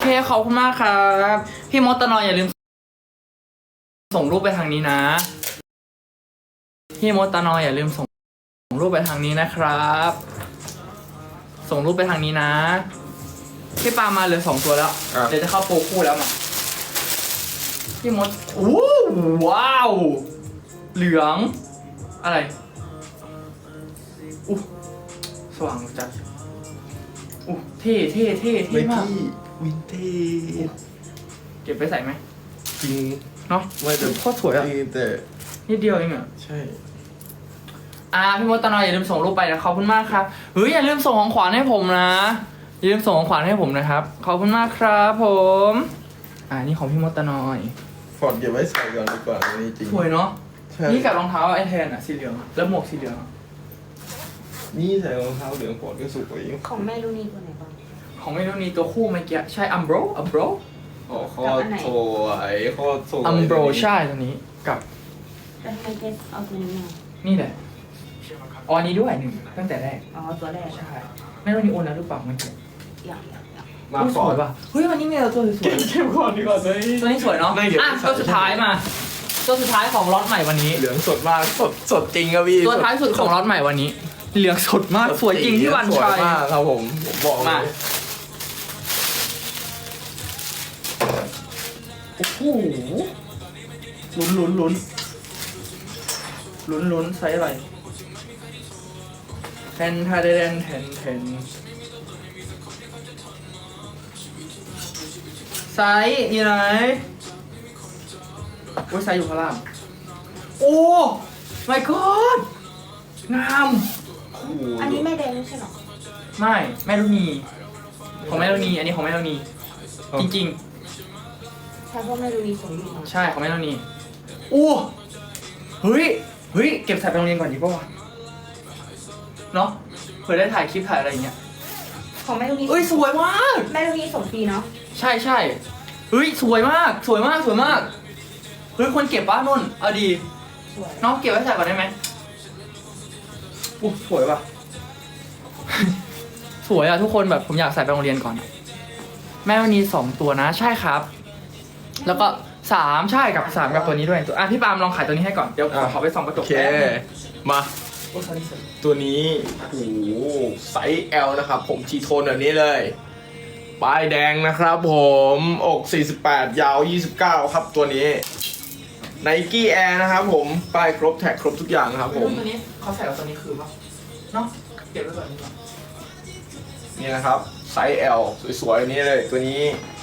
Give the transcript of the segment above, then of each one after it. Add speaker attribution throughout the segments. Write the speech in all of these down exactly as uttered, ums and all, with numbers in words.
Speaker 1: ขอบคุณมากครับพี่มดตะนอยอย่าลืมส่งรูปไปทางนี้นะพี่มดตะนอยอย่าลืมส่งส่งรูปไปทางนี้นะครับ ส่งรูปไปทางนี้นะพี่ปามาเหลือสองตัวแล้วเดี๋ยวจะเข้าโปรคู่แล้วมาพี่มดโอ้ว้าวเหลืองอะไรอู้สว่างจัดอู้เท่เท่เท่เท่มาก
Speaker 2: วินเทจ
Speaker 1: เก็บไปใส่ไหม
Speaker 2: จริง
Speaker 1: เนาะ
Speaker 2: ไม่แต่
Speaker 1: โคตรสวยอ่ะ
Speaker 2: จริงแต่
Speaker 1: นิดเดียวเองอ่ะ
Speaker 2: ใช่
Speaker 1: อ่าพี่มดตะนอยอย่าลืมส่งรูปไปนะขอบคุณมากครับเฮ้ยอย่าลืมส่งของขวัญให้ผมนะอย่าลืมส่งของขวัญให้ผมนะครับขอบคุณมากครับผมอ่านี่ของพี่มดตะนอย
Speaker 2: ฟอร์ดเก็บไว้ใส่ก่อนดีกว่าอันนี้จริง
Speaker 1: สวยเนาะ
Speaker 2: ใช่
Speaker 1: นี่กับรองเท้าไอแทนอ่ะสีเหลืองแล้วหมวกสีเหลือง
Speaker 2: นี่ใส่รองเท้าเหลืองฟอร์ดก็สุกกว่าอีก
Speaker 3: ของแม่ลูนี่ตัวไหนบ้าง
Speaker 1: ของไม่รู้นี่ตัวคู่เมื่อกี้ใช่อัมโบรอัมโบร
Speaker 2: อ๋อโคตรสวยโคตรสวย
Speaker 1: อัมโบรใช่ตัวนี้กับ
Speaker 3: แล้วทำไมเจสเอาตัวนี้มา
Speaker 1: นี่แหละอ๋ออันนี้ด้วยหนึ่งตั้งแต่แรก
Speaker 3: อ๋อตัวแรก
Speaker 1: ใช่ไม่รู้นี่โอนแล้วหรือเปล่าเมื่อกี้
Speaker 3: อย่างอย่างอย่าง
Speaker 2: มา
Speaker 1: อุ๊ย
Speaker 2: ฟ
Speaker 1: ส
Speaker 2: อ
Speaker 1: ว
Speaker 2: ร์
Speaker 1: ย
Speaker 2: ด
Speaker 1: ป่ะเฮ้ยวันนี้มีแต่ตัวสวย
Speaker 2: เก็บก่อนดีกว่าเลย
Speaker 1: ๆตัวนี้สวยเนาะ
Speaker 2: ไม่เดี๋ยว
Speaker 1: อ่ะตัวสุดท้ายมาตัวสุดท้ายของล็อตใหม่วันนี้
Speaker 2: เหลืองสดมากสดสดจริงครับพี่
Speaker 1: ตัวท้ายสุดของล็อตใหม่วันนี้ เหลืองสดมากสวยจริงที่วัน
Speaker 2: สวย
Speaker 1: ชัย
Speaker 2: มากครับผมผมบอกเล
Speaker 1: มาย โอ้โหลุ้นลุ้นลุ้นลุ้นลุ้นไซส์อะไรแทนทาเดนแทนแทนไซส์อยู่ไหนโอ้ยไซส์อยู่ข้างล่างโอ้ my god งาม
Speaker 3: อันนี้แม่แดงไม่ใช่หรอ
Speaker 1: ไม่แม่ลูกนีของแม่ลูกนีอันนี้ของแม่ลูกนีจริง
Speaker 3: ใช่เพราะแม่ลูนี่ส่งอยู่
Speaker 1: ๆ ใช่ของแม่ลูกนีโอ้เฮ้ยเฮ้ยเก็บใส่ไปโรงเรียนก่อนดีป่าวะเนาะเผื่อได้ถ่ายคลิปถ่ายอะไรอย่างเงี้ย
Speaker 3: ของแม่ลูนี่
Speaker 1: เอ้ยสวยมาก
Speaker 3: แม่ลูนี่ส่งฟรีเนาะ
Speaker 1: ใช่ใช่เฮ้ยสวยมากสวยมากสวยมากเฮ้ยคนเก็บป้านุ่นเอาดี
Speaker 3: สวย
Speaker 1: น้องเก็บไว้ใส่ก่อนได้ไหมอู้สวยว่ะ สวยอะทุกคนแบบผมอยากใส่ไปโรงเรียนก่อน แม่วันนี้สองตัวนะ ใช่ครับ แล้วก็สามใช่กับสามกับตัวนี้ด้วยตัวอ่ะพี่ปาล์มลองขายตัวนี้ให้ก่อนเดี๋ยวขอขอไปส่องกระจ
Speaker 2: โอก เค
Speaker 1: แป๊บนึง
Speaker 2: มา
Speaker 1: โอ้ยสวยสวย
Speaker 2: ตัวนี้โอ้โหไซส์ L นะครับผมทีโทนแบบนี้เลยป้ายแดงนะครับผมอกสี่สิบแปดยาวยี่สิบเก้าครับตัวนี้ Nike Air นะครับผมป้ายครบแท็กครบทุกอย่างนะครับผม
Speaker 1: ตัวนี้เขาใส่กับตัวนี้คือป่ะเนาะเก็บไว้ก่อนดีกว่า
Speaker 2: นี่นะครับไซส์ L สวยๆอันนี้เลยตัวนี้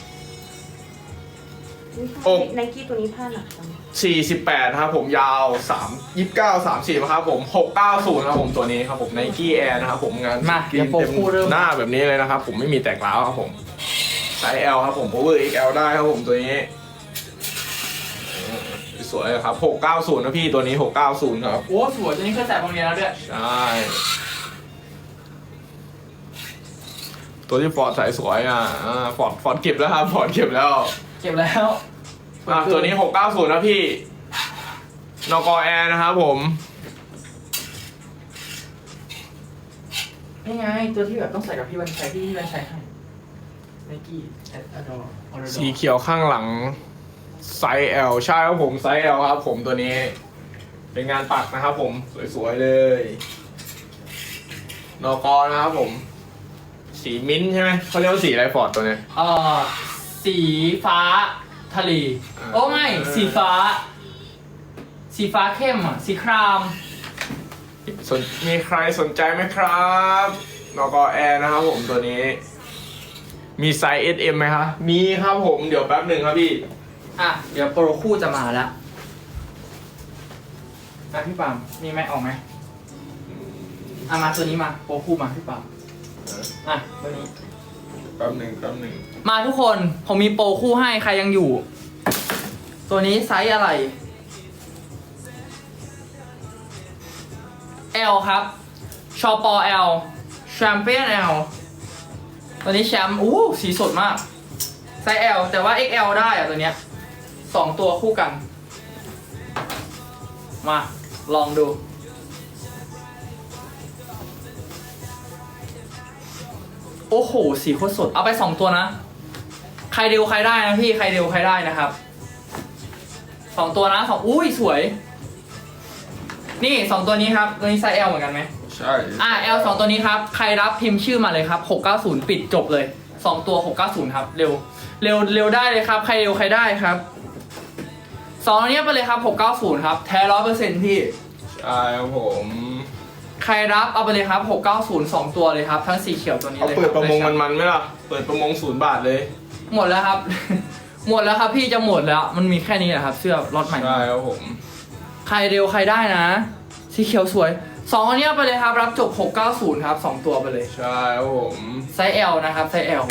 Speaker 2: โอ้
Speaker 3: ไนกี้ตัวนี้ผ้าหนักจัง
Speaker 2: สี่สิบแปดนะครับผมยาวสาม ยี่สิบเก้า สามสิบครับผมหกเก้าศูนย์ครับผมตัวนี้ครับผม Nike Air นะครับผมงาน
Speaker 1: มาเดี๋ยวโปรคู่เริ่ม
Speaker 2: หน้าแบบนี้เลยนะครับผมไม่มีแตกร้าวครับผมไซส์ L ครับผม Power เอ็กซ์ แอล ได้ครับผมตัวนี้สวยๆครับหกเก้าศูนย์นะพี่ตัวนี้หกเก้าศูนย์ครับ
Speaker 1: โอ้สวยตัวนี้เคยใส่โรงเรียนแล้วด้วย
Speaker 2: ใช่ตัวที่ฟอร์ดใส่สวยอ่ะฟอร์ดฟอร์ดเก็บแล้วครับฟอร์ดเก็บแล้ว
Speaker 1: เก็บแล้ว
Speaker 2: อ่ะตัวนี้หกเก้าศูนย์นะพี่นกแอร์นะครับผม
Speaker 1: นี่ไงตัวที่แบบต้องใส่กับพี่วันชัยที่พี่วันชัยให้ไนกี้แอดอดออร์
Speaker 2: สีเขียวข้างหลังไซส์ L ใช่ครับผมไซส์ L ครับผมตัวนี้ เป็นงานปักนะครับผมสวยๆเลยนกนะครับผม สีมิ้นท์ใช่ไหมเขาเรียกว่าสีอะไรฟอร์ดตัวเนี้ย
Speaker 1: เอ่อสีฟ้าทะเล
Speaker 2: อ่า
Speaker 1: โอ้ไม่สีฟ้า สีฟ้าเข้มอ่ะสีคราม
Speaker 2: สนมีใครสนใจไหมครับนกแอร์นะครับผมตัวนี้ มีไซส์ เอส เอ็ม ไหมครับมีครับผมเดี๋ยวแป๊บหนึ่งครับพี่
Speaker 1: อ่ะเดี๋ยวโปรคู่จะมาแล้วอ่ะพี่ปามมีไหมออกไหมอ่ะมาตัวนี้มาโปรคู่มาพี่ปามอ่ะตัวนี้
Speaker 2: แป๊บหนึ่งแป๊บหนึ่ง
Speaker 1: มาทุกคนผมมีโปรคู่ให้ใครยังอยู่ ตัวนี้ไซส์อะไร L ครับชอปอ L แชมเปี้ยน L ตัวนี้แชมป์อู้สีสดมากไซส์ L แต่ว่า เอ็กซ์ แอล ได้อะตัวเนี้ยสองตัวคู่กัน มาลองดู โอ้โห สีโคตรสด เอาไปสองตัวนะใครเร็วใครได้นะพี่ใครเร็วใครได้นะครับสองตัวนะสองอุ้ยสวย นี่สองตัวนี้ครับตัวนี้ไซส์ L เหมือนกันไหม
Speaker 2: ใช่
Speaker 1: อ่า L สองตัวนี้ครับใครรับพิมพ์ชื่อมาเลยครับหกเก้าศูนย์ปิดจบเลยสองตัวหกเก้าศูนย์ครับเร็วเร็วเร็วได้เลยครับใครเร็วใครได้ครับสองตัวนี้ไปเลยครับหกเก้าศูนย์ครับแท้ร้อยเปอร์เซ็นต์พี่
Speaker 2: ใช่ครับผม
Speaker 1: ใครรับเอาไปเลยครับหกเก้าศูนย์สองตัวเลยครับทั้งสีเขียวตัวนี้
Speaker 2: เอา
Speaker 1: เลย
Speaker 2: เปิดประมง
Speaker 1: คบ
Speaker 2: มันๆไหมล่ะเปิดประมงศูนย์บาทเลย
Speaker 1: หมดแล้วครับ หมดแล้วครับพี่จะหมดแล้วมันมีแค่นี้แหละครับเสื้อล็อตใหม่
Speaker 2: ใช่ครับผม
Speaker 1: ใครเร็วใครได้นะสีเขียวสวยสองอันนี้เอาไปเลยครับรับจบหกเก้าศูนย์ครับสองตัวไปเลย
Speaker 2: ใช่ครับผม
Speaker 1: ไซส์ L นะครับไซส์ L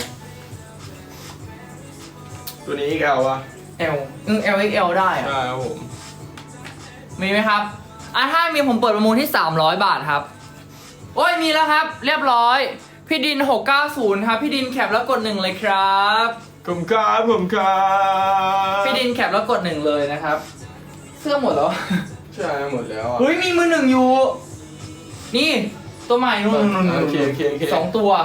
Speaker 2: ตัวนี้อีกแอลวะ
Speaker 1: L อืม L X L ได้อะ
Speaker 2: ใช่ครับผม
Speaker 1: มีไหมครับอ่ะถ้ามีผมเปิดประมูลที่สามร้อยบาทครับโอ้ยมีแล้วครับเรียบร้อยพี่ดินหกเก้าศูนย์ครับพี่ดินแคปแล้วกดหนึ่งเลยครับ
Speaker 2: ผมครับผมครับ
Speaker 1: พี่ดินแคปแล้วกดหนึ่งเลยนะครับเสื้อหมดแล้ว
Speaker 2: ใช่หมดแล้วอะ
Speaker 1: เฮ้ยมีมือหนึ่งอยู่ นี่ตัวใหม่นู่นนู่นนู่น
Speaker 2: โอเคโอเคโอเค
Speaker 1: สองตัว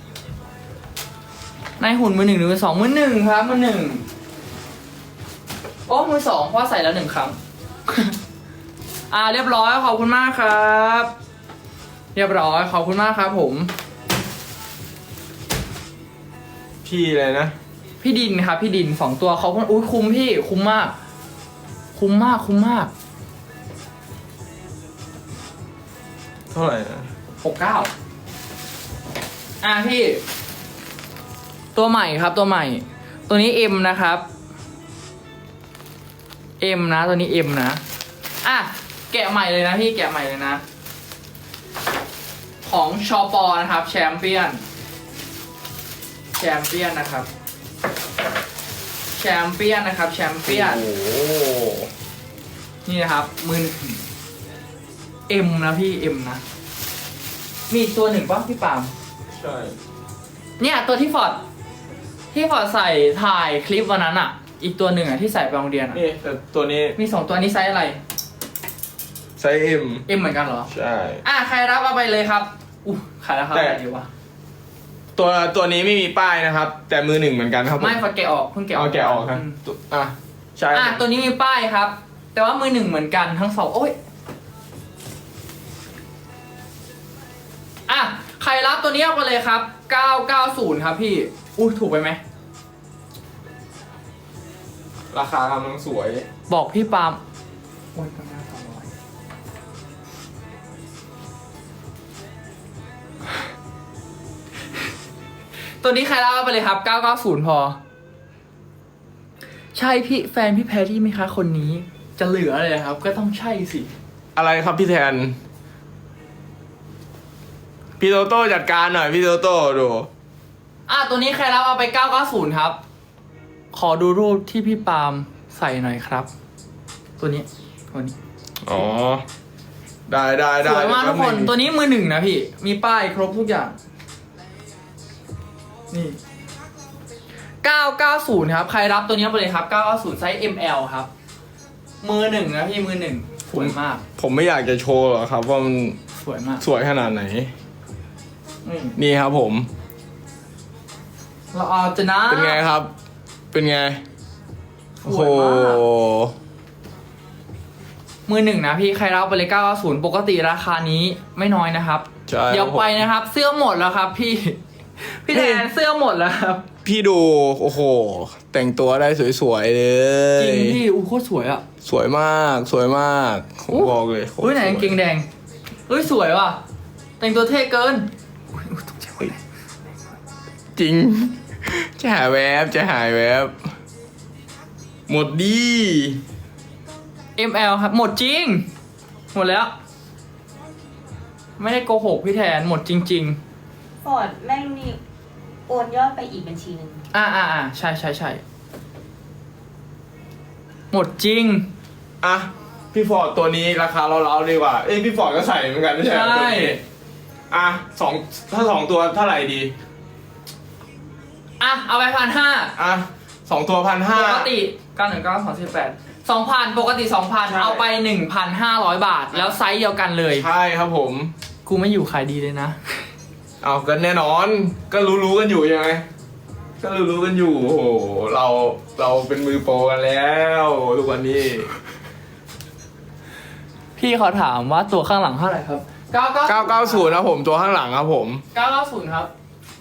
Speaker 1: ในหุ่นมือหนึ่งหรือมือสองมือหนึ่งครับมือหนึ่งโอ้มือสองเพราะใส่แล้วหนึ่งครั้ง อ่าเรียบร้อยขอบคุณมากครับ เรียบร้อยขอบคุณมากครับ ผม
Speaker 2: พี่เลยนะ
Speaker 1: พี่ดินครับพี่ดินสองตัวเขาอุ้ยคุ้มพี่คุ้มมาก คุ้มมากคุ้มมาก
Speaker 2: เท่าไหร่นะ
Speaker 1: หกเก้าอ่ะพี่ ตัวใหม่ครับตัวใหม่ ตัวนี้ M นะครับ M นะตัวนี้ M นะอ่ะแกะใหม่เลยนะพี่แกะใหม่เลยนะ ของชอปอนะครับแชมเปี้ยนแชมเปี้ยนนะครับแชมเปี้ยนนะครับแชมเปี้ยน
Speaker 2: โอ้โห
Speaker 1: นี่นะครับมือหนึ่ง M นะพี่ M นะมีอีกตัวหนึ่งป่ะพี่ปาล์ม
Speaker 2: ใช่
Speaker 1: เนี่ยตัวที่ฟอร์ดที่ฟอร์ดใส่ถ่ายคลิปวันนั้นอ่ะ อีกตัวหนึ่งอ่ะที่ใส่ไปโรงเรียนอ่ะ
Speaker 2: นี่แต่ตัวนี้
Speaker 1: มีสองตัวนี้ไซส์อะไร
Speaker 2: ไซส์เอ็ม
Speaker 1: เอ็มเหมือนกันเหรอ
Speaker 2: ใช่
Speaker 1: อ่ะใครรับเอาไปเลยครับอู้ใครรับครับ
Speaker 2: แต่
Speaker 1: อะไรดีวะ
Speaker 2: ตัวตัวนี้ไม่มีป้ายนะครับ แต่มือหนึ่งเหมือนกันครับผม
Speaker 1: ไม่ฟอร์ดแกะออกเพิ่งแกะออก
Speaker 2: เอาแกะออกครับ
Speaker 1: ม
Speaker 2: ตัวอ่ะใช่
Speaker 1: อ่ะตัวนี้มีป้ายครับ แต่ว่ามือหนึ่งเหมือนกันทั้งสองโอ้ยอ่ะใครรับตัวนี้เอาไปเลยครับเก้าเก้าศูนย์ครับพี่อุ้ยถูกไปไหม
Speaker 2: ราคากำลังสวย
Speaker 1: บอกพี่ปาล์มโอ้ยกำลังสองร้อยตัวนี้ใครรับเอาไปเลยครับเก้าเก้าศูนย์พอ ใช่พี่แฟนพี่แพรรี่ไหมคะคนนี้ จะเหลือเลยครับ ก็ต้องใช่สิ
Speaker 2: อะไรครับพี่แทน พี่โตโต้จัดการหน่อยพี่โตโต้ดู
Speaker 1: อ่ะตัวนี้ใครรับเอาไปเก้าเก้าศูนย์ครับ ขอดูรูปที่พี่ปาล์มใส่หน่อยครับ ตัวนี้ตัวนี้
Speaker 2: อ๋อ ได้ได้
Speaker 1: ส
Speaker 2: ได้
Speaker 1: วยมากทุกคน
Speaker 2: เดี๋ย
Speaker 1: ตัวนี้มือหนึ่งนะพี่ มีป้ายครบทุกอย่าง นี่เก้าเก้าศูนย์ครับ ใครรับตัวนี้ไปเลยครับเก้าเก้าศูนย์ไซส์ เอ็ม แอล ครับ มือหนึ่งนะพี่มือหนึ่งสวยมาก
Speaker 2: ผมไม่อยากจะโชว์หรอกครับว่ามัน
Speaker 1: สวยมาก
Speaker 2: สวยขนาดไหน
Speaker 1: นี่
Speaker 2: นี่ครับผม
Speaker 1: เราเอาจะนะ
Speaker 2: เป็นไงครับ เป็นไง
Speaker 1: ส
Speaker 2: โอ้โห
Speaker 1: วยมากมือหนึ่งนะพี่ใครรับไปเลยเก้าเก้าศูนย์ปกติราคานี้ไม่น้อยนะครับ
Speaker 2: ใช่
Speaker 1: เดี๋ยว
Speaker 2: ครับผม
Speaker 1: ไปนะครับ เสื้อหมดแล้วครับ พี่ พี่แทนเสื้อหมดแล้วครับ
Speaker 2: พี่ดู โอ้โห แต่งตัวได้สวยๆเลย
Speaker 1: จริงพี่อู้โคตรสวยอ่ะ
Speaker 2: สวยมาก สวยมากผม
Speaker 1: อู้
Speaker 2: บอกเลยโคตร
Speaker 1: อุ้ยไหน
Speaker 2: สว
Speaker 1: กางเกงแดงเฮ้ยสวยว่ะ แต่งตัวเท่เกินอุ๊ยตกใจหมดเลย
Speaker 2: จริง จะหายแวบ จะหายแวบ หมดดี
Speaker 1: เอ็ม แอล ครับ หมดจริง หมดแล้ว ไม่ได้โกหกพี่แทนหมดจริง
Speaker 3: ฟอร์ดแม่งนี่โอนยอดไปอีกบัญชีหนึ่ง
Speaker 1: ๆ อ่าอ่าอ่าใช่ใช่ใช่หมดจริง
Speaker 2: อ่ะ พี่ฟอร์ดตัวนี้ราคาเราๆดีกว่า เอ้ยพี่ฟอร์ดก็ใส่เหมือนกันไม่ใช่เหรอ
Speaker 1: ใช่
Speaker 2: ตัวนี้อ่ะสองถ้าสองตัวเท่าไหร่ดี
Speaker 1: อ่ะเอาไปพันห้า
Speaker 2: อ่ะสองตัวพันห้า
Speaker 1: ปกติเก้าหนึ่งเก้าสองสิบแปดสองพันปกติสองพัน
Speaker 2: ใช่
Speaker 1: เอาไปหนึ่งพันห้าร้อยบาท แล้วไซส์เดียวกันเลย
Speaker 2: ใช่ครับผม
Speaker 1: กูไม่อยู่ขายดีเลยนะ
Speaker 2: เอากันแน่นอน ก็รู้ๆกันอยู่ยังไงก็รู้ๆกันอยู่โอ้โหเราเราเป็นมือโปรกันแล้วทุกวันนี้
Speaker 1: พี่เขาถามว่าตัวข้างหลังเท่าไหร่ครับเก้าเก้า
Speaker 2: เก้าเก้าศูนย์ครับผมตัวข้างหลังครับผม
Speaker 1: เก้าเก้าศูนย์ครับ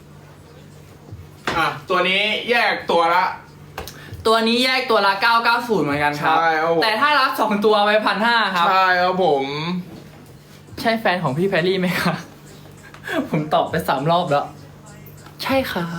Speaker 2: อ่ะตัวนี้แยกตัวละ
Speaker 1: ตัวนี้แยกตัวละเก้าเก้าศูนย์เหมือนกันครับ
Speaker 2: ใช่ครับผม
Speaker 1: แต่ถ้ารับสองตัวไปพันห้าครับ
Speaker 2: ใช่ครับผม
Speaker 1: ใช่แฟนของพี่แพรรี่ไหมครับ ผมตอบไปสามรอบแล้ว ใช่ครับ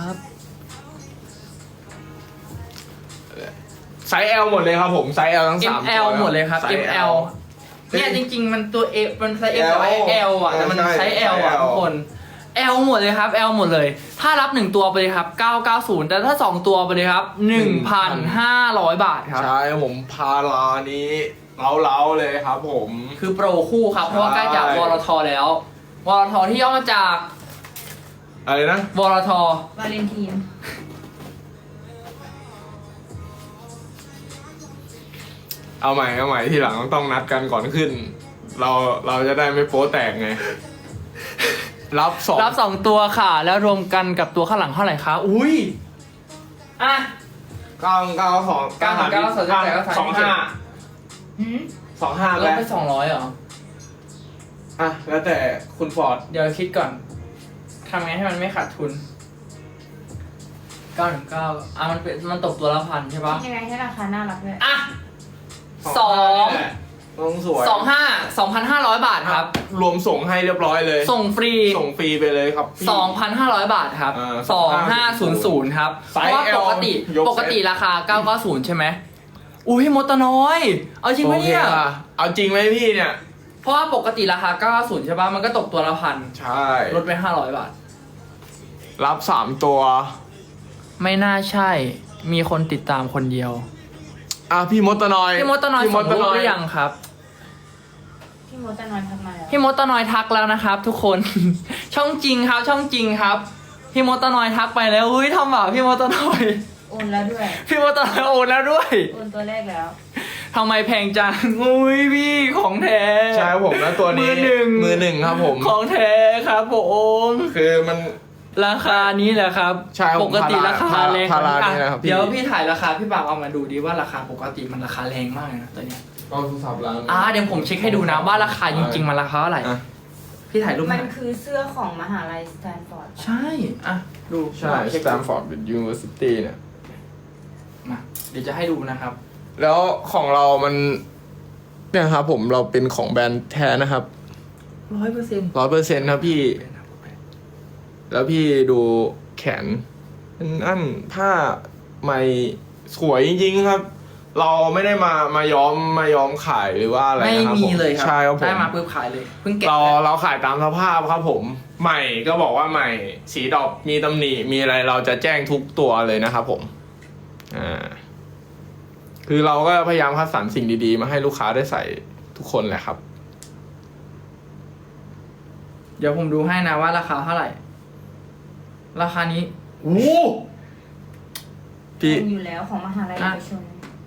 Speaker 2: ไซส์ L หมดเลยครับผมไซส์ L ทั้งสามตัว
Speaker 1: เอ็ม แอล หมดเลยครับ
Speaker 2: ไซส์
Speaker 1: เอ็ม แอล เนี่ยจริงๆ มันตัว F มันไซส์ F กับ L อ่ะแต่มัน
Speaker 2: ใช่
Speaker 1: ไซส์ L อ่ะ
Speaker 2: ไซส์ L
Speaker 1: ทุกคน L หมดเลยครับ L หมดเลย ถ้ารับหนึ่งตัวไปเลยครับเก้าเก้าศูนย์แต่ถ้าสองตัวไปเลยครับหนึ่งพันห้าร้อยบาทครับ
Speaker 2: ใช่ครับผมพารานี้เล้าๆเลยครับผม
Speaker 1: คือโปรคู่ครับ เพราะว่าใกล้จากวรทแล้ววรทที่ย่อมาจาก
Speaker 2: อะไรนะ
Speaker 1: วรท
Speaker 3: วาเลนทีน
Speaker 2: เอาใหม่เอาใหม่ทีหลังต้องนัดกันก่อนขึ้น เราเราจะได้ไม่โป๊แตกไง รับสอง
Speaker 1: รับสองตัวค่ะ แล้วรวมกันกับตัวข้างหลังเท่าไหร่คะอุ้ยอ่ะ
Speaker 2: เก้าเก้าสอง
Speaker 1: เก้าหนึ่งเก้าสองเจ็ดแปดเก้าสาม
Speaker 2: สองห้า
Speaker 3: หืม
Speaker 2: สองห้า
Speaker 1: ล
Speaker 2: ไป
Speaker 1: ดไปสองร้อยเหรอ
Speaker 2: อ่ะแล้วแต่คุณฟอร์ด
Speaker 1: เดี๋ยวคิดก่อน ทำไงให้มันไม่ขาดทุน เก้าหนึ่งเก้าอ่ะมันเป็นมันตกตัวละพันใช่ปะ
Speaker 3: ยังไงให้ราคาน่ารักด้วย
Speaker 1: อ่ะ สอง
Speaker 2: นี่แหละต้องสวย
Speaker 1: สองห้าสองพันห้าร้อยบาทครับ
Speaker 2: รวมส่งให้เรียบร้อยเลย
Speaker 1: ส่งฟรี
Speaker 2: ส่งฟรีไปเลยครับพี่
Speaker 1: สองพันห้าร้อยบาทครับ
Speaker 2: อ่า
Speaker 1: สองห้าศูนย์ศูนย์ครับ
Speaker 2: ไซ
Speaker 1: เพ
Speaker 2: ส์
Speaker 1: ราะว่า
Speaker 2: L
Speaker 1: ปกติ
Speaker 2: ยกเซ็ต
Speaker 1: ปกติราคาเก้าเก้าศูนย์ใช่ไหมอุ้ยมดตะน้อย เอาจริงไหมเนี่ย
Speaker 2: โอคค่ะเอาจริงไหมพี่เนี่ย
Speaker 1: เพราะว่าปกติราคาเก้าเก้าศูนย์ใช่ปะมันก็ตกตัวละพัน
Speaker 2: ใช่
Speaker 1: ลดไปห้าร้อยบาท
Speaker 2: รับสามตัว
Speaker 1: ไม่น่าใช่ มีคนติดตามคนเดียว
Speaker 2: อ่ะพี่มดตะนอย
Speaker 1: พี่มดตะน้อยส่งรูปหรือยังครับ
Speaker 3: พี่มดจะนอนทักมาแล้ว
Speaker 1: พี่มดตะน้อยทักแล้วนะครับ ทุกคน ช่องจริงครับ ช่องจริงครับ พี่มดตะน้อยทักไปแล้วอุ้ยทำบาปพี่มดตะน้อย
Speaker 3: โอนแล้วด้วย
Speaker 1: พี่มดตะน้อยโอนแล้วด้วย
Speaker 3: โอนตัวแรกแล้ว
Speaker 1: ทำไมแพงจังอุ้ยพี่ของแท้
Speaker 2: ใช่ครับผมแล้วตัวนี้
Speaker 1: มือหนึ่ง
Speaker 2: มือหนึ่งครับผม
Speaker 1: ของแท้ครับผม
Speaker 2: คือมัน
Speaker 1: ราคานี้แหละครับ
Speaker 2: ใช่ครับ
Speaker 1: ปกติราคา
Speaker 2: พารา
Speaker 1: แรง
Speaker 2: พารา
Speaker 1: อ่ะ
Speaker 2: นี่นะครับพี่
Speaker 1: เดี๋ยวพี่ถ่ายราคาพี่ปากเอามาดูดีว่าราคาปกติมันราคาแรงมากเลยนะตัวเนี้ย
Speaker 2: ก็โทรศัพท์ร้าน
Speaker 1: อ่าเดี๋ยวผมเช็คให้ดูนะว่าราคาจริงๆมันราคาเท่าไหร่
Speaker 2: อ่ะ
Speaker 1: พี่ถ่ายรูป
Speaker 3: มัน
Speaker 1: หน่อย
Speaker 3: คือเสื้อของมหาลัยสแตนฟอร์ด
Speaker 1: ใช่อ่ะดู
Speaker 2: ใช่
Speaker 1: เช็ค
Speaker 2: Stanford University เนี่ย
Speaker 1: มาเดี๋ยวจะให้ดูนะครับ
Speaker 2: แล้วของเรามันเนี่ยครับผมเราเป็นของแบรนด์แท้นะครับ
Speaker 1: ร้อยเปอร์เซ็นต์
Speaker 2: ร้อยเปอร์เซ็นต์ครับพี่ แล้วพี่ดูแขนนั่นผ้าใหม่สวยจริงๆครับ เราไม่ได้มามาย้อมมาย้อมขายหรือว่าอะไร
Speaker 1: ไม่
Speaker 2: นะครับ
Speaker 1: มี
Speaker 2: ผม
Speaker 1: เลยครั
Speaker 2: ใช่ครับผม
Speaker 1: ได้มาปุ๊บขายเลยเพิ่งแกะ
Speaker 2: เราเราขายตามสภาพครับผม ใหม่ก็บอกว่าใหม่สีดอกมีตำหนิมีอะไรเราจะแจ้งทุกตัวเลยนะครับผมอ่าคือเราก็พยายามคัดสรรสิ่งดีๆ มาให้ลูกค้าได้ใส่ทุกคนแหละครับ
Speaker 1: เดี๋ยวผมดูให้นะว่าราคาเท่าไหร่ ราคานี้
Speaker 2: โอ้พี่
Speaker 3: เป็นอยู่แล้วของมหาลัยเอกชน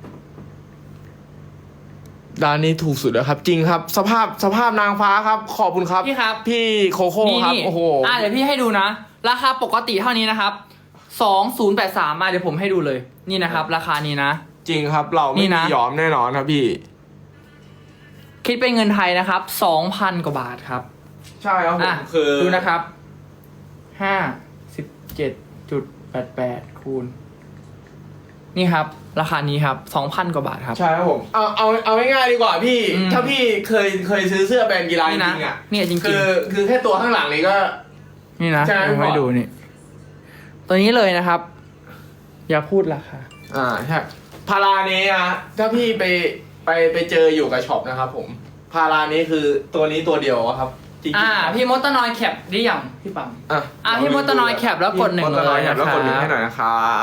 Speaker 2: ร้านนี้ถูกสุดแล้วครับ จริงครับ สภาพสภาพนางฟ้าครับ ขอบคุณครับ
Speaker 1: พี่ครับ
Speaker 2: พี่โคโค่
Speaker 1: นี่
Speaker 2: ครับ
Speaker 1: นี่
Speaker 2: โอ้โห
Speaker 1: อ่ะเดี๋ยวพี่ให้ดูนะ ราคาปกติเท่านี้นะครับสองศูนย์แปดสามมาเดี๋ยวผมให้ดูเลย นี่นะครับ ราคานี้นะ
Speaker 2: จริงครับ เรา
Speaker 1: นี่
Speaker 2: ไม่
Speaker 1: นะ
Speaker 2: มียอมแน่นอนครับพี่
Speaker 1: คิดเป็นเงินไทยนะครับสองพันกว่าบาทครับ
Speaker 2: ใช่ครับผ
Speaker 1: อ่ะ
Speaker 2: มคือ
Speaker 1: ดูนะครับห้าสิบเจ็ดจุดแปดแปดคูณ นี่ครับ ราคานี้ครับสองพันกว่าบาทครับ
Speaker 2: ใช่ครับผมเอาเอาเอาง่ายๆดีกว่าพี่
Speaker 1: อืม
Speaker 2: ถ้าพี่เคยเคยซื้อเสื้อแบรนด์กีฬาจ
Speaker 1: นี่นะ
Speaker 2: ริงๆอ่ะ
Speaker 1: เนี่ยจริงๆ
Speaker 2: คือคือแค่ตัวข้างหลังนี้ก็
Speaker 1: นี่นะ
Speaker 2: ใช่ไหม
Speaker 1: ผมให้
Speaker 2: พี่
Speaker 1: ดูนี่ ตัวนี้เลยนะครับ อย่าพูดราคา
Speaker 2: อ่าใช่พารานี้อะถ้าพี่ไปไปไปเจออยู่กับช็อปนะครับผม พารานี้คือตัวนี้ตัวเดียวอะครับจริงๆ
Speaker 1: อ่า
Speaker 2: ครับ
Speaker 1: พี่มดตะนอยแคปได้ยังพี่ปั๊ม
Speaker 2: อ่ะ
Speaker 1: อ่ะพี่มดตะนอยแคปแล้วกดหนึ่ง
Speaker 2: พี่มดตะนอยแคปแล้วกดหนึ่ง
Speaker 1: เลยนะครับ
Speaker 2: ให้หน่อยนะครับ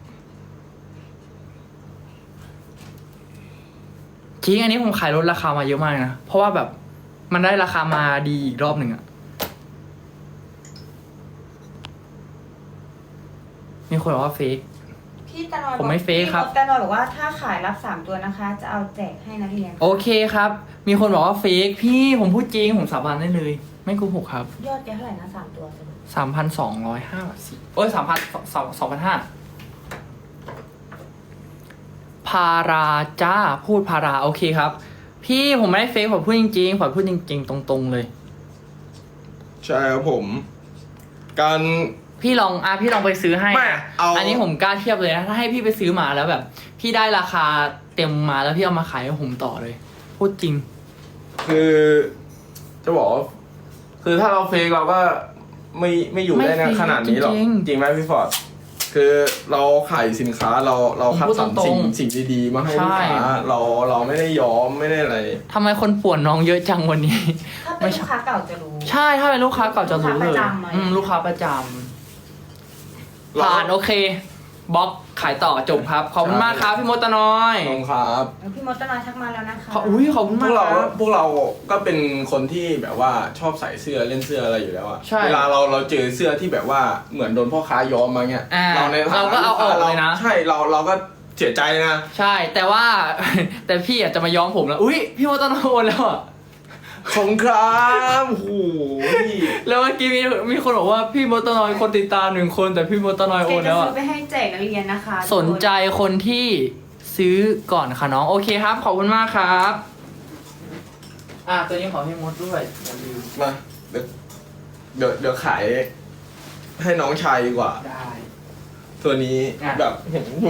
Speaker 1: จริงอันนี้ผมขายลดราคามาเยอะมากนะ เพราะว่าแบบมันได้ราคามาดีอีกรอบหนึ่งอะมีคนบอกว่าเฟก
Speaker 3: พี่ตะนอย
Speaker 1: ผมไม่เฟคครับ
Speaker 3: พี่ตะนอยบอกว่าถ้าขายรับสามตัวนะคะ จะเอาแจกให้นักเรียน
Speaker 1: โอเคครับ มีคนบอกว่าเฟกพี่ผมพูดจริง ผมสาบานได้เลย ไม่โกหกครับ
Speaker 3: ยอดแกเท่าไหร่นะสามตัวสรุป
Speaker 1: สามพันสองร้อยห้าสิบโอ้ยสามพันสองสองพันห้าาราจ้าพูดพาราโอเคครับ พี่ผมไม่ได้เฟซผมพูดจริงๆผมพูดจริงๆตรงๆเลย
Speaker 2: ใช่ครับผม การ
Speaker 1: พี่ลองอ่ะพี่ลองไปซื้อให้
Speaker 2: ไม่
Speaker 1: นะ
Speaker 2: เอา
Speaker 1: อันนี้ผมกล้าเทียบเลยนะถ้าให้พี่ไปซื้อมาแล้วแบบ พี่ได้ราคาเต็มมาแล้วพี่เอามาขายให้ผมต่อเลย พูดจริง
Speaker 2: คือจะบอกว่าคือถ้าเราเฟกเราก็ไม่ไม่อยู่ได้
Speaker 1: ไม่
Speaker 2: นะ
Speaker 1: เฟก
Speaker 2: ขนาดนี้หรอก
Speaker 1: จริงๆ
Speaker 2: จริงไหมพี่ฟอร์ดคือเราขายสินค้าเราเราคัดสรร
Speaker 1: ผมพูดตร
Speaker 2: สิ่ง
Speaker 1: ง
Speaker 2: สิ่งดีๆมาให้
Speaker 1: ใช่
Speaker 2: ลูกค้าเราเราไม่ได้ย้อมไม่ได้อะไร
Speaker 1: ทำไมคนป่วนน้องเยอะจังวันนี้
Speaker 3: ถ้าเป็นลูกค้าเก่าจะรู้
Speaker 1: ใช่ถ้าเป็นลูกค้าเก่าจะรู้เลย
Speaker 3: ลูกค้าประจำไหม
Speaker 1: อืมลูกค้าประจำผ่านโอเคบล็อกขายต่อจบครับ ขอบคุณมากครับพี่มดตะน้อย
Speaker 2: ขอบคุณครับ
Speaker 3: แล้วพี่มดตะนอยทักมาแล้วนะคะ
Speaker 1: ขออุ้ยขอบคุณ
Speaker 2: พ
Speaker 1: มาว ก
Speaker 2: กเรา
Speaker 1: ครับ
Speaker 2: พวกเราก็เป็นคนที่แบบว่าชอบใส่เสื้อเล่นเสื้ออะไรอยู่แล้วอะ
Speaker 1: ใช่
Speaker 2: เวลาเราเราเจอเสื้อที่แบบว่าเหมือนโดนพ่อค้าย้อมมาเงี้ย
Speaker 1: อ่า
Speaker 2: ในฐนะ
Speaker 1: เราก็เอาออกเลยนะ
Speaker 2: ใช่เราเราก็เสียใจนะ
Speaker 1: ใช่แต่ว่า แต่พี่อาจจะมาย้อมผมแล้วอุ้ยพี่มดตะน้อยโอนแล้วอะ
Speaker 2: ขอบคุณครับโอ้โห
Speaker 1: แล้วเมื่อกี้มีมีคนบอกว่าพี่มดตะน้อยคนติดตามหนึ่งคนแต่พี่มดตะน้อย
Speaker 3: แก
Speaker 1: โอน
Speaker 3: จะ
Speaker 1: แล้ว
Speaker 3: ซื้
Speaker 1: อะ
Speaker 3: อไปให้แจกนักเรียนนะคะ
Speaker 1: สนใจคนที่ซื้อก่อนค่ะน้องโอเคครับ ขอบคุณมากครับ อ่ะตัวนี้ของพี่มดด้วยอย่าลืม
Speaker 2: มาเดี๋ยวเดี๋ยวเดี๋ยวขายให้น้องชายดีกว่า
Speaker 1: ได้
Speaker 2: ตัวนี้
Speaker 1: อ่ะ
Speaker 2: แบบเห็นอยู่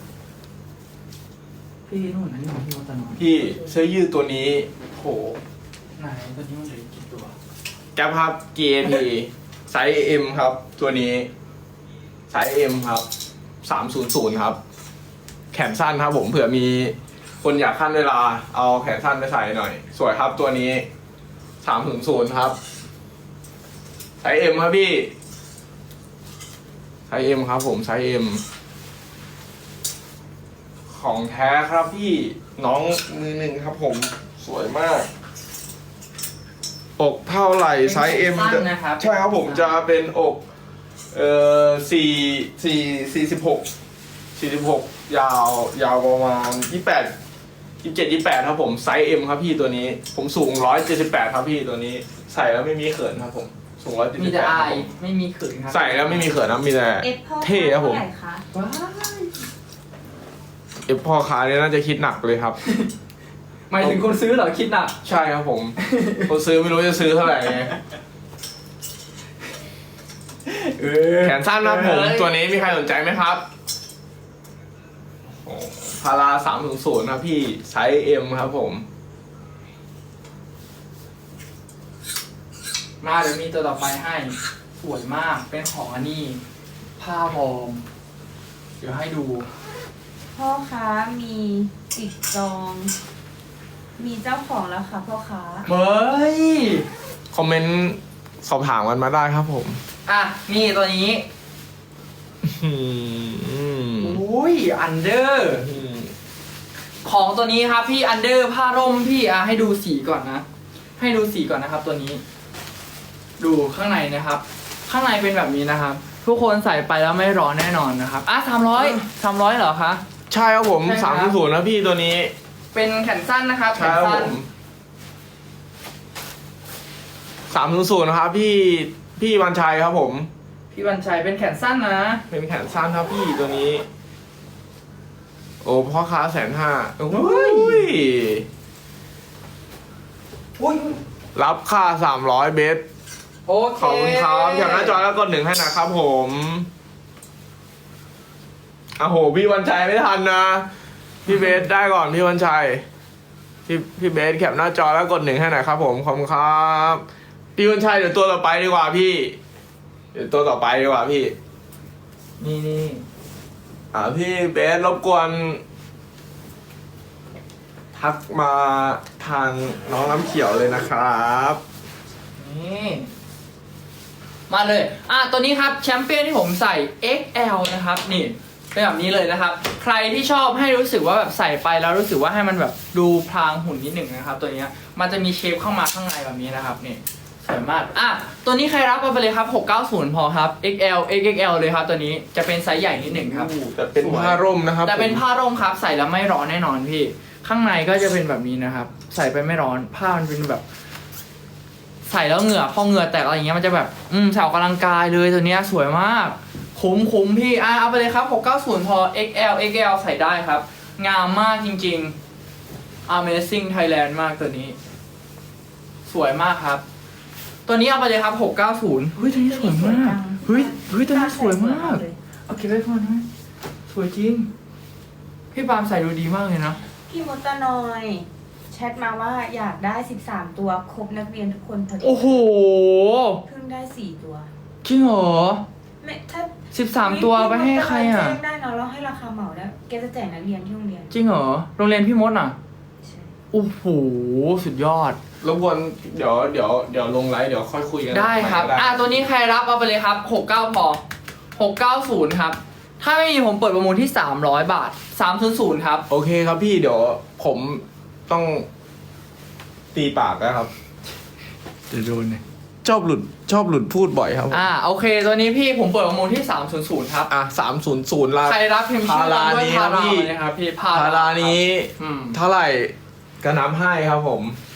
Speaker 1: พี่นู่นนั่นของพี่มดตะน้อย
Speaker 2: พี่เสื้อยืดตัวนี้โห
Speaker 1: ไหนตัวนี้มันเหลือกี่ตัว
Speaker 2: แก๊ปครับ จี เอ พี ไซส์ M ครับ ตัวนี้ไซส์ M ครับสามศูนย์ศูนย์ครับ แขนสั้นครับผมเผื่อมีคนอยากขั้นเวลา เอาแขนสั้นไปใส่หน่อย สวยครับตัวนี้สามศูนย์ศูนย์ครับไซส์ M ครับพี่ไซส์ M ครับผมไซส์ M ของแท้ครับพี่น้องมือหนึ่งครับผมสวยมาก อกเท่าไหร่ไซส์ M
Speaker 1: สั้นนะครับ
Speaker 2: ใช่ครับผมจะเป็นอกเอ่อสี่สี่สี่สิบหกสี่สิบหกยาวยาวประมาณยี่แปดยี่เจ็ดยี่แปดครับผมไซส์ M ครับพี่ตัวนี้ ผมสูงร้อยเจ็ดสิบแปดครับพี่ตัวนี้ ใส่แล้วไม่มีเขินครับผมสูงร้อยเจ็ด
Speaker 1: มี
Speaker 2: สิบแป
Speaker 1: แต่
Speaker 2: ด
Speaker 1: อายไม่มีขืนครับ
Speaker 2: ใส่แล้วไม่มีเขินนะมีแต่
Speaker 3: เอฟพ่อ
Speaker 2: เท่ครับผม
Speaker 3: เท่าไหร่คะ
Speaker 1: ว้าย
Speaker 2: เอฟพ่อค้าเนี่ยน่าจะคิดหนักเลยครับ
Speaker 1: หมายถึงคนซื้อเหรอคิดหนัก
Speaker 2: ใช่ครับผม คนซื้อไม่รู้จะซื้อเท่าไหร่ไง
Speaker 1: เออ
Speaker 2: แขนสั้นนะครับผม ตัวนี้มีใครสนใจไหมครับโอ้พาราสามถึงศูนย์ครับพี่ไซส์ M ครับผม
Speaker 1: มาเดี๋ยวมีตัวต่อไปให้สวยมากเป็นของอันนี้ผ้าวอร์มเดี๋ยวให้ดู
Speaker 3: พ่อค้ามีติดจอง มีเจ้าของแล้วค่ะพ่อค้า
Speaker 1: เฮ้ย
Speaker 2: คอมเมนต์สอบถามกันมาได้ครับผม
Speaker 1: อ่ะนี่ตัวนี้
Speaker 2: อืม
Speaker 1: อุ้ยอันเดอร์ ของตัวนี้ครับพี่อันเดอร์ผ้าร่มพี่อ่ะให้ดูสีก่อนนะ ให้ดูสีก่อนนะครับ ตัวนี้ ดูข้างในนะครับ ข้างในเป็นแบบนี้นะครับ ทุกคนใส่ไปแล้วไม่ร้อนแน่นอนนะครับอ่ะสามร้อยสามร้อยเหรอคะ
Speaker 2: ใช่ครับผม
Speaker 1: ใช่ครั
Speaker 2: สาม
Speaker 1: บ
Speaker 2: ถึงศูนย์นะพี่ตัวนี้
Speaker 1: เป็นแขนสั้นนะครับแข
Speaker 2: ใช่
Speaker 1: น
Speaker 2: ครับผ
Speaker 1: สั้น
Speaker 2: มสามถึงศูนย์นะครับพี่พี่วันชัยครับผม
Speaker 1: พี่บัญชัยเป็นแขนสั้นนะ
Speaker 2: เป็นแขนสั้นครับพี่ตัวนี้ โอ้พ่อค้าแสนห้าโอ้
Speaker 1: เฮ้
Speaker 2: ย
Speaker 1: อุ้ย
Speaker 2: รับค่าสามร้อยเบส
Speaker 1: โอเค
Speaker 2: ขอบคุณครับอย่างหน้าจอแล้วกดหนึ่งให้นะครับผมอ้โหพี่วันชัยไม่ทันนะ พี่เบสได้ก่อนพี่วันชัย พี่พี่เบสแคปหน้าจอแล้วกดหนึ่งให้หน่อยครับผมขอบคุณครับพี่วันชัยเดี๋ยวตัวต่อไปดีกว่าพี่ เดี๋ยวตัวต่อไปดีกว่าพี่
Speaker 1: นี่นี่
Speaker 2: อ่าพี่เบสรบกวนทักมาทางน้องน้ำเขียวเลยนะครับ
Speaker 1: นี่มาเลยอ่ะตัวนี้ครับแชมเปี้ยนที่ผมใส่ เอ็กซ์ แอล นะครับนี่เป็นแบบนี้เลยนะครับ ใครที่ชอบให้รู้สึกว่าแบบใส่ไปแล้วรู้สึกว่าให้มันแบบดูพรางหุ่นนิดหนึ่งนะครับ ตัวเนี้ยมันจะมีเชฟเข้ามาข้างในแบบนี้นะครับนี่สวยมากอ่ะตัวนี้ใครรับเอาไปเลยครับหกเก้าศูนย์พอครับ เอ็กซ์ แอล เอ็กซ์ แอล เลยครับตัวนี้จะเป็นไซส์ใหญ่นิดหนึ่งครับ
Speaker 2: แต่เป็นผ้าร่มนะครับ
Speaker 1: แต่เป็น
Speaker 2: ผม
Speaker 1: ผ้าร่มครับใส่แล้วไม่ร้อนแน่นอนพี่ ข้างในก็จะเป็นแบบนี้นะครับ ใส่ไปไม่ร้อนผ้ามันเป็นแบบ ใส่แล้วเหงื่อพอเหงื่อแตกอะไรอย่างเงี้ยมันจะแบบอืมใส่ออกกำลังกายเลยตัวเนี้ยสวยมาก คุ้มคุ้มพี่อ่ะเอาไปเลยครับหกเก้าศูนย์พอ เอ็กซ์ แอล เอ็กซ์ แอล ใส่ได้ครับงามมากจริงๆ Amazing Thailand มากตัวนี้ สวยมากครับ ตัวนี้เอาไปเลยครับหกเก้าศูนย์เฮ้ยตัวนี้สวยมากเฮ้ยเฮ้ยตัวนี้สวยมากเอาเก็บไว้ก่อนนะสวยจริงพี่ปาล์มใส่ดูดีมากเลยนะ
Speaker 3: พี่มดตะนอยแชทมาว่าอยากได้สิบสามตัวครบนักเรียนทุกคนพอดี
Speaker 1: โอ้โห
Speaker 3: เพิ่งได้สี่ตัว
Speaker 1: จริงเหรอ
Speaker 3: ไม่ถ้า
Speaker 1: สิบสามตัวไปให้ใครอ่ะ
Speaker 3: แจ้งได้เนาะเราให้ราคาเหมาได้แกจะแจกนักเรียนที่โรงเรียน
Speaker 1: จริงเหรอโรงเรียนพี่มดอ่ะ
Speaker 3: ใช่
Speaker 1: โอ้โหสุดยอด
Speaker 2: รบกวนเดี๋ยวเดี๋ยวเดี๋ยวลงไลฟ์เดี๋ยวค่อยคุยกัน
Speaker 1: ได้ครับ
Speaker 2: ได้
Speaker 1: อ่ะตัวนี้ใครรับเอาไปเลยครับหกเก้าพอหกเก้าศูนย์ครับ ถ้าไม่มีผมเปิดประมูลที่สามร้อยบาทสามศูนย์ศูนย์ครับ
Speaker 2: โอเคครับพี่เดี๋ยวผมต้องตีปากนะครับ
Speaker 1: จะโดนเนี่ย
Speaker 2: ชอบหลุดชอบหลุดพูดบ่อยครับผม
Speaker 1: อ่าโอเค ตัวนี้พี่ผมเปิดประมูลที่สามศูนย์ศูนย์ครับ
Speaker 2: อ่ะสามศูนย์ศูนย์ละ
Speaker 1: ใครรับพิมพ์ชื่อตามด้วย
Speaker 2: พา
Speaker 1: พา
Speaker 2: รา
Speaker 1: รา
Speaker 2: นี้
Speaker 1: เลยครับพี่พา
Speaker 2: พารานี้
Speaker 1: อืม
Speaker 2: เท่าไหร่ก็นับให้ครับผม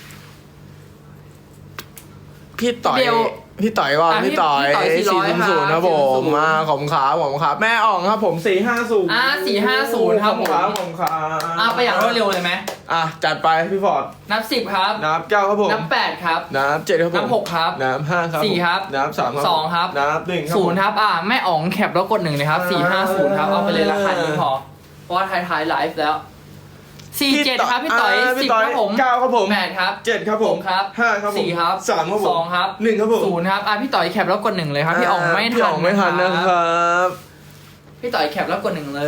Speaker 2: พี่ต่อย
Speaker 1: เดี๋ยว
Speaker 2: พี่ต่อยว่า
Speaker 1: อ่ะ
Speaker 2: พี่ต่อย
Speaker 1: พี่ต่อย
Speaker 2: สี่
Speaker 1: สี่ร้อย
Speaker 2: ศูนย์ศูนย์ครับผม
Speaker 1: ครับ
Speaker 2: มาของขาผมครับแม่อ่องครับผมสี่ห้าศูนย์
Speaker 1: อ่ะสี่ห้าศูนย์ครับผม
Speaker 2: ครับผมครับ
Speaker 1: อ่ะไปอย่างรวดเร็วเลยไหม
Speaker 2: อ่ะจัดไปพี่ฟอร์ด
Speaker 1: นับสิบครับ
Speaker 2: นับเก้าครับผม
Speaker 1: นับแปดครับ
Speaker 2: นับเจ็ดครับผม
Speaker 1: นับหกครับ
Speaker 2: นับห้าครับ
Speaker 1: สี่ครับ
Speaker 2: นับสามครับ
Speaker 1: สองครับ
Speaker 2: นับหนึ่งครับ
Speaker 1: ศูนย์ครับอ่ะแม่อ๋องแคปแล้วกดหนึ่งเลยครับสี่ห้าศูนย์ครับเอาไปเลยราคานี้พอเพราะว่าท้ายๆไลฟ์แล้วสี่เจ็ดครับพี่ต่อย
Speaker 2: า
Speaker 1: สิ
Speaker 2: พี่
Speaker 1: บ
Speaker 2: ต่อย
Speaker 1: ครับผม
Speaker 2: เก้าครับผม
Speaker 1: แปดครับ
Speaker 2: เจ็ดครับผม
Speaker 1: หกครับ
Speaker 2: ห้าครับผม
Speaker 1: สี่ครับ
Speaker 2: สามครับผม
Speaker 1: สองครับ
Speaker 2: หนึ่งครับผม
Speaker 1: ศูนย์ครับอ่ะพี่ต่อยแคปแล้วกดหนึ่งเลยครับพี่อ๋องไม่
Speaker 2: พี่
Speaker 1: ทั
Speaker 2: อ๋
Speaker 1: น
Speaker 2: องไม่ทันนะครับ
Speaker 1: พี่ต่อยแคปแล้วกดหนึ่งเลย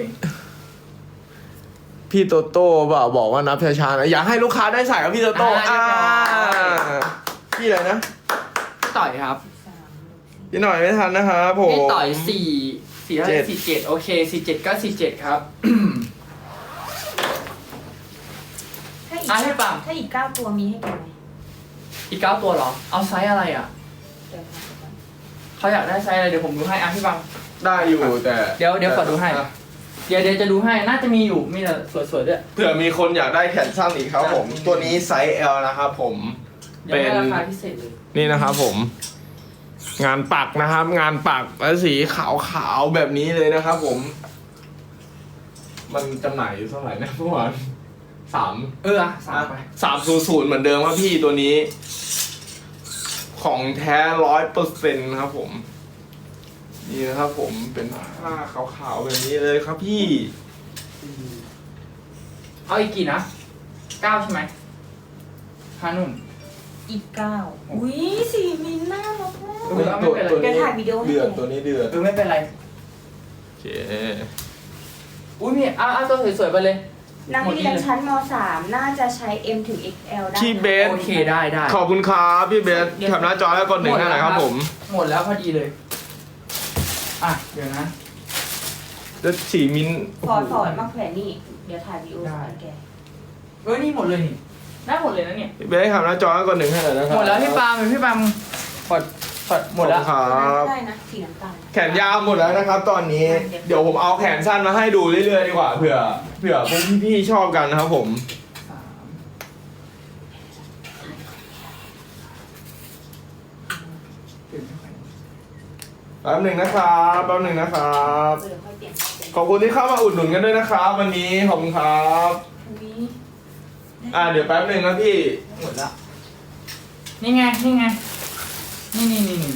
Speaker 2: พี่โตโต้บอกบอกว่านับช้าๆนะอยากให้ลูกค้าได้ใส่กับพี่โตโต้
Speaker 1: อ่า
Speaker 2: อ่าพี่อะไรนะ
Speaker 1: พี่ต่อยครับ
Speaker 3: สาม
Speaker 2: พี่หน่อยไม่ทันนะครับผม
Speaker 1: พี่ต่อยสี่สี่ห้า
Speaker 2: เจ็ด
Speaker 1: สี่เจ็ดโอเคสี่เจ็ดก็สี่เจ็ดครับ
Speaker 3: ถ้าอีก
Speaker 1: อ่ะให้ปั๊ม
Speaker 3: ถ้าอีกเก้าตัวมีให้แกไหม
Speaker 1: อีกเก้าตัวเหรอ เอาไซส์อะไรอ่ะ
Speaker 3: เดี๋ยวหาก่อน
Speaker 1: เขาอยากได้ไซส์อะไรเดี๋ยวผมดูให้อ่ะพี่บัง
Speaker 2: ได้อยู่แต่
Speaker 1: เดี๋ยวเดี๋ยวขอดูให้
Speaker 2: อ่ะ
Speaker 1: เดี๋ยวเดี๋ยวจะดูให้น่าจะมีอยู่มีแต่สวยๆด้วย
Speaker 2: เผื่อมีคนอยากได้แขนสั้นอีกครับผม
Speaker 1: อ่ะ
Speaker 2: ตัวนี้ไซส์ L นะครับผม
Speaker 1: เดี๋ยว
Speaker 2: เป็น
Speaker 1: ให้ราคาพิเศษเลย
Speaker 2: นี่นะครับผม งานปักนะครับ งานปักและสีขาวๆแบบนี้เลยนะครับผม มันจำหน่ายอยู่เท่าไหร่นะเมื่อวานสาม
Speaker 1: เอออ่ะสามไป
Speaker 2: สามศูนย์ศูนย์เหมือนเดิมครับพี่ตัวนี้ ของแท้ร้อยเปอร์เซ็นต์ครับผม นี่นะครับผมเป็นผ้าขาวๆแบบนี้เลยครับพี่
Speaker 1: เอาอีกกี่นะเก้าใช่ไหมผ้านุ่ม
Speaker 3: อีกเก้าอุ้ยสี่มิลน่ารักมาก
Speaker 1: เออไม่เป็นไร
Speaker 3: เดี๋ยวถ่ายวิดีโอให้
Speaker 2: เดือด
Speaker 3: ดู
Speaker 2: ตัวนี้เดือด
Speaker 1: เออไม่เป็นไร
Speaker 2: โอเค
Speaker 1: อุ้ยมีอ่ะอ่ะตัวสวยๆไปเลย
Speaker 3: นักเรียนชั้นม สามน่าจะใช้ M ถึง เอ็กซ์ แอล ได้
Speaker 2: พี่เบส
Speaker 1: โอเคได้ได้
Speaker 2: ขอบคุณครับพี่เบสแคปหน้าจอแล้วกดหนึ่งให้หน่อยครับผม
Speaker 1: หมดแล้วพอดีเลย อ่ะเดี๋ยวนะ
Speaker 2: แล้วสีมิน
Speaker 3: ขอสอนมาแขวนนี่ เดี๋ยวถ่ายวิดีโอให้แก
Speaker 1: เออนี่หมดเลยนี่ได้หมดเลยนะเนี่ย
Speaker 2: พี่เบสแคปหน้าจอแล้วกดหนึ่งให้หน่อยนะครับ
Speaker 1: หมดแล้วพี่ปาล์มพี่ปาล์มกดกดหมดแล้ว
Speaker 2: ขอบคุณครับ
Speaker 3: ได้นะ สีน้ำตาล
Speaker 2: แขนยาวหมดแล้วนะครับ ตอนนี้ เดี๋ยวผมเอาแขนสั้นมาให้ดูเรื่อยๆดีกว่าเผื่อเผื่อพวกพี่ๆชอบกันนะครับผม
Speaker 1: สามเปลี่ยนไม่ค่อย
Speaker 2: แป๊บหนึ่งนะครับแป๊บหนึ่งนะครับ
Speaker 3: เดี๋ยวค่อยเปลี่ยนเป็น
Speaker 2: ขอบคุณที่เข้ามาอุดหนุนกันด้วยนะครับ วันนี้ขอบคุณครับ
Speaker 3: อุ๊ย
Speaker 2: อ่าเดี๋ยวแป๊บหนึ่งนะพี่
Speaker 1: หมดแล้วนี่ไงนี่ไงนี่นี่นี่นี่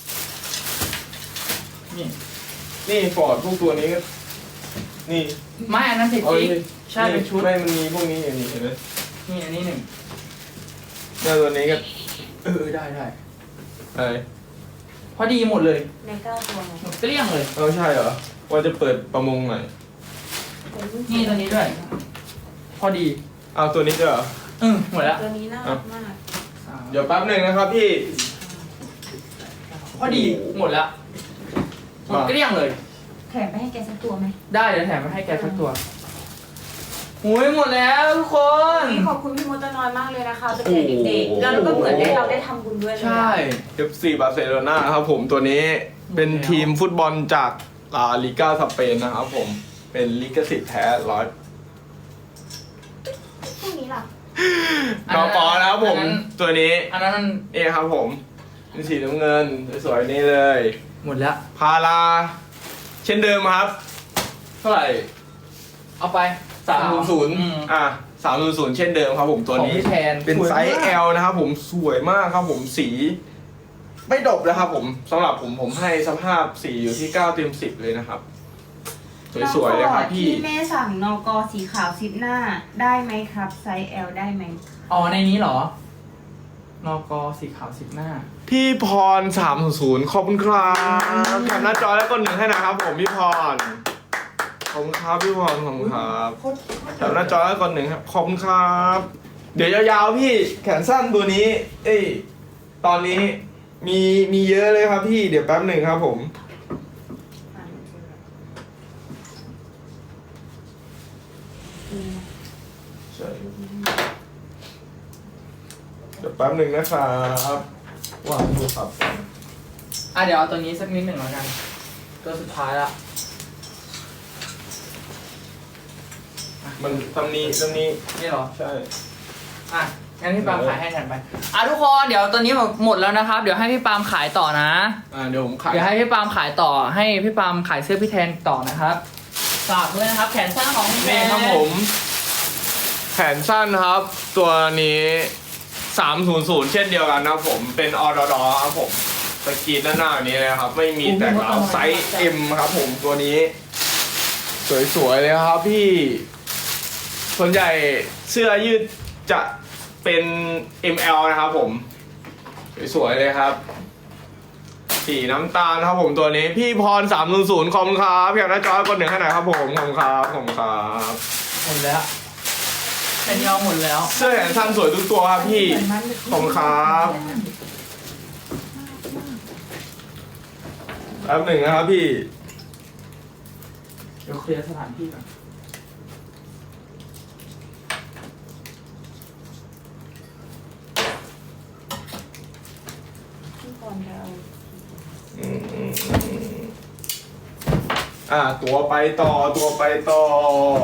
Speaker 1: นี่
Speaker 2: นี่ฟอร์ดพวกตัวนี้ก็นี่
Speaker 1: ไม่อันนั้นติด
Speaker 2: เอา
Speaker 1: จิ๊ก
Speaker 2: ดิ
Speaker 1: ใช่เป็นชุด
Speaker 2: ไม่มันมีพวกนี้อย่างนี้เห็นไหม
Speaker 1: นี่อันนี้หนึ่ง
Speaker 2: เนี่ยตัวนี้ก็
Speaker 1: เออได้ได้
Speaker 2: อะไร
Speaker 1: พอดีหมดเลย
Speaker 3: ในเก้าตัวไง
Speaker 1: หมดเกลี้ยงเลย
Speaker 2: เอาใช่เหรอว่าจะเปิดประมงหน่อย
Speaker 1: นี่ตัวนี้ด้วย พอดี
Speaker 2: เอาตัวนี้ด้วยเหรอ
Speaker 1: อืมหมดแล้ว
Speaker 3: ตัวนี้น่ารักมาก
Speaker 2: เดี๋ยวแป๊บหนึ่งนะครับพี่
Speaker 1: พอดีหมดแล้วหมดเกลี้ยงเลย
Speaker 3: แถมไปให้แกสักตัวไหม
Speaker 1: ได้เดี๋ยวแถมมาให้แกสักตัวหุยหมดแล้วทุกคน
Speaker 3: ขอบคุณพี่มดตะนอยมากเลยนะคะเป็นแขกเด็กๆแล้วก็เหมือนได้เราได้ทำบุญด้วยเลย
Speaker 1: ใช่
Speaker 2: เอฟ ซี บาร์เซโลนาครับผมตัวนี้เป็นทีมฟุตบอลจากลาลิก้าสเปนนะครับผมเป็นลิขสิทธิ์แท้ร้อย
Speaker 3: พวกนี้ล่ะ
Speaker 2: กอปอนะครับผม
Speaker 1: อันนั้น
Speaker 2: ตัวนี้
Speaker 1: อันนั้นมัน
Speaker 2: นี่ครับผมเป็นสีน้ำเงินสวยๆนี่เลย
Speaker 1: หมดแล้ว
Speaker 2: พาราเช่นเดิมครับ เท่าไหร่
Speaker 1: เอาไป
Speaker 2: สามศูนย์ศูนย์
Speaker 1: อืม
Speaker 2: อ่ะสามศูนย์ศูนย์เช่นเดิมครับผมตัว
Speaker 1: ของ
Speaker 2: นี้
Speaker 1: พี่แทน
Speaker 2: เป็นไซส์
Speaker 1: สวยมาก
Speaker 2: L นะครับผมสวยมากครับผมสีไม่ดบนะครับผมสำหรับผมผมให้สภาพสีอยู่ที่เก้าเต็มสิบเลยนะครับ สวยๆเลยครับพี่
Speaker 3: ที่แม่สั่งนกสีขาวซิปหน้าได้ไหมครับไซส์ L ได้ไหม
Speaker 1: อ๋อในนี้เหรอ นกสีขาวสิบหน้า
Speaker 2: พี่พรสามศูนย์ขอบคุณครับแคปหน้าจอแล้วกดหนึ่งให้นะครับผมพี่พรขอบคุณครับพี่พรขอบคุณครับแคปหน้าจอแล้วกดหนึ่งครับขอบคุณครับ เดี๋ยวยาวๆพี่แขนสั้นตัวนี้ เอ้ยตอนนี้มีมีเยอะเลยครับพี่เดี๋ยวแป๊บหนึ่งครับผม ใช่เดี๋ยวแป๊บหนึ่งนะครับวางโทรศัพท์ก่อน
Speaker 1: อ่ะเดี๋ยวเอาตัวนี้สักนิดหนึ่งแล้วกัน ตัวสุดท้ายละ
Speaker 2: มันตำนี้ตำนี้
Speaker 1: นี่เหรอ
Speaker 2: ใช่
Speaker 1: อ่ะงั้นพี่ปาล์มขายให้แทนไป อ่ะทุกคนเดี๋ยวตัวนี้หมดแล้วนะครับ เดี๋ยวให้พี่ปาล์มขายต่อนะ
Speaker 2: อ่าเดี๋ยวผมขาย
Speaker 1: เดี๋ยวให้พี่ปาล์มขายต่อ ให้พี่ปาล์มขายเสื้อพี่แทนต่อนะครับ ฝากด้วยนะครับ แขนสั้นของพี่แท
Speaker 2: นี่
Speaker 1: น
Speaker 2: ครับผม แขนสั้นครับ ตัวนี้สามศูนย์ศูนย์เช่นเดียวกันนะครับผมเป็นออดอครับผมสกรีนด้านหน้านี้เลยครับ ไม่มีแตกราวไซส์ M ครับผมตัวนี้ สวยๆเลยครับพี่ ส่วนใหญ่เสื้อยืดจะเป็น เอ็ม แอล นะครับผม สวยๆเลยครับ สีน้ำตาลครับผมตัวนี้ พี่พรสามศูนย์ศูนย์ขอบคุณครับอยากได้จอยกดหนึ่งให้หน่อยครับผมขอบคุณครับขอบคุณครับ
Speaker 1: หมดแล้วแค่นี้เอาหมดแล้ว
Speaker 2: เสื้อแขนสั้นสวยทุกตัวครับพี่ขอบคุณครับแป๊บหนึ่งนะครับพี่
Speaker 1: เดี๋ยวเคลียร์สถานที่ก่อน
Speaker 3: พี่พรจะเอา
Speaker 2: อืมอ่าตัวไปต่อตัวไปต่อ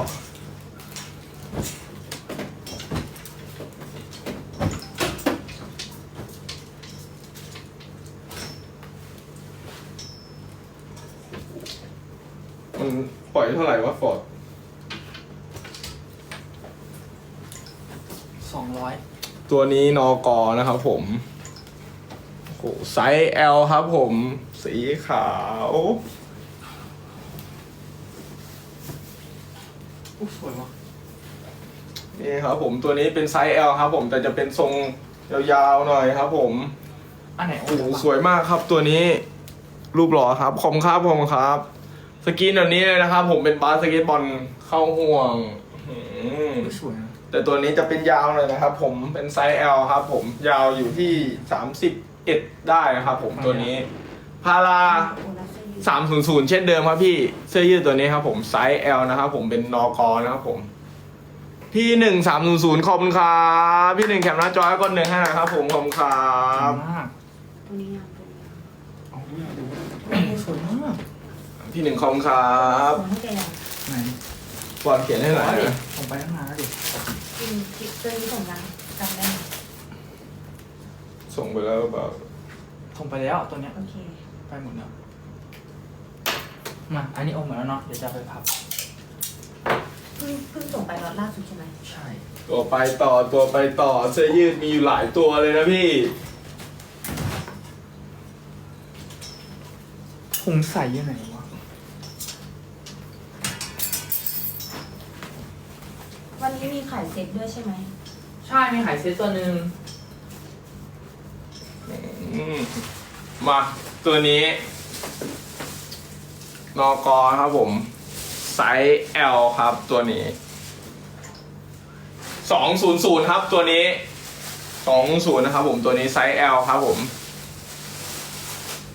Speaker 2: มันปล่อยเท่าไหร่วะฟอร์ด
Speaker 1: สองร้อย
Speaker 2: ตัวนี้นกนะครับผมโอ้โหไซส์ L ครับผม สีขาว
Speaker 1: อุ๊ยสวยว่ะ
Speaker 2: นี่ครับผมตัวนี้เป็นไซส์ L ครับผมแต่จะเป็นทรงยาวๆหน่อยครับผม
Speaker 1: อันไหน
Speaker 2: โอ้โหสวยมากครับตัวนี้ รูปหล่อครับขอบคุณครับขอบคุณครับ สกรีนแบบนี้เลยนะครับ ผมเป็นบาสเกตบอลเข้าห่วงอืม
Speaker 1: อุ๊ยสวยนะ
Speaker 2: แต่ตัวนี้จะเป็นยาวหน่อยนะครับ ผมเป็นไซส์ L ครับผมยาวอยู่ที่สามสิบเอ็ดได้นะครับผมตัวนี้ พารา
Speaker 3: โอลาเซ่ยู
Speaker 2: สามศูนย์ศูนย์เช่นเดิมครับพี่เสื้อยืดตัวนี้ครับผมไซส์ L นะครับผมเป็นนกนะครับผมพี่หนึ่งสามศูนย์ศูนย์ขอบคุณครับพี่หนึ่งแคปหน้าจอให้กดหนึ่งให้หน่อยครับผมขอบคุณครั
Speaker 1: สวย
Speaker 2: บ
Speaker 1: มาก
Speaker 3: ตัวนี้งามตัวนี้งาม
Speaker 1: เอาดูดูโอ้โหสวยมาก
Speaker 2: พี่หนึ่งขอบคุณครับ
Speaker 3: ส่งให้แกยัง
Speaker 1: ไหน
Speaker 2: ก่อนเขียนให้หน่อย
Speaker 1: ดิ
Speaker 2: นะ
Speaker 1: ส่งไปตั้งนานแล้วดิ
Speaker 3: กินกินตัวนี้ส่งยังจำได้ไหม
Speaker 2: ส่งไปแล้วเปล่า
Speaker 1: ส่งไปแล้วตัวเนี้ย
Speaker 3: โอเค
Speaker 1: ไปหมดแล้ว มา อันนี้โอมหมดแล้วเนาะ เดี๋ยวจะไปพับ
Speaker 3: เพิ่งเพิ่งส่งไปล็อตล่าสุดใช่ไหม
Speaker 2: ใช่ตัวไปต่อตัวไปต่อเสื้อยืดมีอยู่หลายตัวเลยนะพี่
Speaker 1: ถุงใส่อยู่ไหนวะ
Speaker 3: วันนี้มีขายเซ็ตด้วยใช่ไหม
Speaker 1: ใช่ มีขายเซตตัวหนึ่ง
Speaker 2: อืมมาตัวนี้นกครับผมไซส์ L ครับตัวนี้สองศูนย์ศูนย์ครับตัวนี้สองศูนย์นะครับผมตัวนี้ไซส์ L ครับผม